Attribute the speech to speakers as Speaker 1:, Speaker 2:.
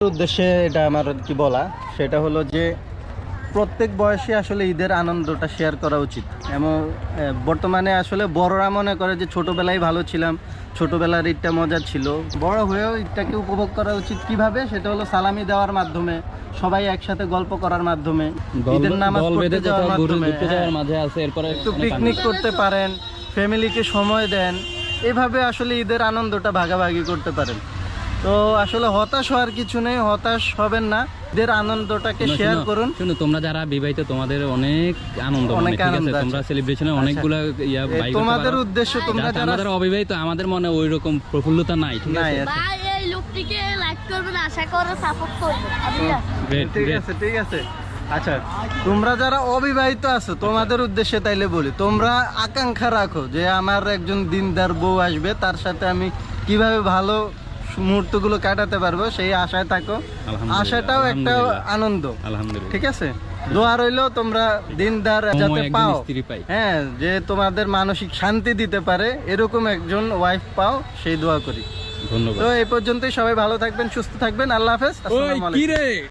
Speaker 1: উদ্দেশ্যে এটা আমার কি বলা সেটা হলো যে প্রত্যেক বয়সে আসলে ঈদের আনন্দটা শেয়ার করা উচিত। এবং বর্তমানে আসলে বড়রা মনে করে যে ছোটোবেলায় ভালো ছিলাম, ছোটোবেলার ঈদটা মজা ছিল। বড় হয়েও ঈদটাকে উপভোগ করা উচিত কিভাবে, সেটা হলো সালামি দেওয়ার মাধ্যমে, সবাই একসাথে গল্প করার মাধ্যমে, ঈদের নামাজ পড়তে যাওয়ার মাধ্যমে, একটু পিকনিক করতে পারেন, ফ্যামিলিকে সময় দেন, এভাবে আসলে ঈদের আনন্দটা ভাগাভাগি করতে পারেন। তো আসলে হতাশ হওয়ার কিছু নেই, হতাশ হবেন না, ঈদের আনন্দটাকে শেয়ার করুন।
Speaker 2: শুনো, তোমরা যারা বিবাহিত তোমাদের অনেক আনন্দ,
Speaker 1: অনেক
Speaker 2: ঠিক
Speaker 1: আনন্দ
Speaker 2: আছে,
Speaker 1: আছে।
Speaker 2: তোমরা সেলিব্রেশনে অনেকগুলা ইয়া বাই করতে
Speaker 1: তোমাদের
Speaker 2: পারো।
Speaker 1: উদ্দেশ্য তোমরা
Speaker 2: যারা
Speaker 1: যারা
Speaker 2: যারা অবিবাহিত, আমাদের মনে ওই রকম প্রফুল্লতা নাই, ঠিক
Speaker 1: নাই
Speaker 2: আছে।
Speaker 1: আছে।
Speaker 3: ভাই এই লোকটিকে লাইক করবেন, আশা করে সাপোর্ট করবেন।
Speaker 2: Great,
Speaker 1: ঠিক
Speaker 2: great.
Speaker 1: আছে, ঠিক আছে। আচ্ছা, তোমরা যারা অবিবাহিত আছো তোমাদের উদ্দেশ্যে তাইলে বলি, তোমরা আকাঙ্ক্ষা রাখো যে আমার একজন দিনদার বউ আসবে, তার সাথে আমি কিভাবে ভালো মুহূর্তগুলো কাটাতে পারবো, সেই আশায় থাকো।
Speaker 2: আলহামদুলিল্লাহ,
Speaker 1: আশাটাও একটা
Speaker 2: আলহামদুলিল্লাহ।
Speaker 1: আনন্দ,
Speaker 2: আলহামদুলিল্লাহ।
Speaker 1: ঠিক আছে। দোয়া রইলো তোমরা দিনদার যাতে
Speaker 2: একজন
Speaker 1: পাও,
Speaker 2: স্ত্রী পাই।
Speaker 1: হ্যাঁ, যে তোমাদের মানসিক শান্তি দিতে পারে এরকম একজন ওয়াইফ পাও, সেই দোয়া করি।
Speaker 2: ধন্যবাদ।
Speaker 1: তো এই পর্যন্তই, সবাই ভালো থাকবেন, সুস্থ থাকবেন, আল্লাহ হাফেজ, আসসালামু আলাইকুম।